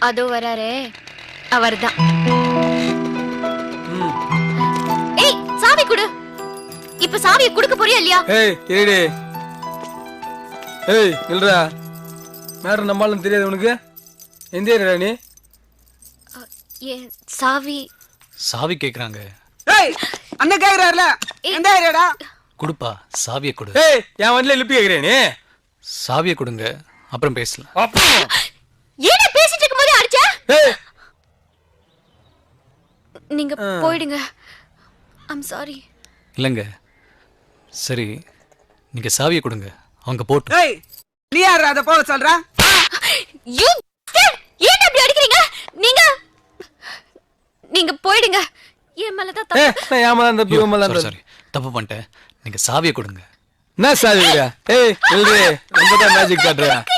அதோ வராரே அவர்தான். ஏய் சாவி குடு. இப்ப சாவியை குடுக்க போறியா இல்லையா? ஏய் இருடி. ஏய் இல்லடா. மேடம் நம்மாலும் தெரியாது உனக்கு? எந்த ஏரியா நீ? சாவி சாவி கேக்குறாங்க. ஏய் அண்ணன் கேக்குறாருல எந்த ஏரியாடா? குடுப்பா சாவியை கொடு. ஏய் என் வண்டில லிப்பி கேக்குறே நீ? சாவியை கொடுங்க அப்புறம் பேசலாம். ஏடா பேசிட்டு இருக்கும்போது அடிச்ச? ஏய் நீங்க போய்டுங்க. I'm sorry. இல்லைங்க சரி நீங்க சாவியை கொடுங்க அவங்க போட்டு. ஏய் நீ யாரா அத போக சொல்ற? யூ ஏன் அப்படி அடிக்கிறீங்க? நீங்க போய்டுங்க. ஏன் மேல தான் ஏய் நான் ஏமால அந்த பியூமல அந்த சாரி தப்பு பண்ணிட்டேன். நீங்க சாவியை கொடுங்க. என்ன சாவி? ஏய் இல்லடி ரொம்ப தான் மேஜிக் காட்றா.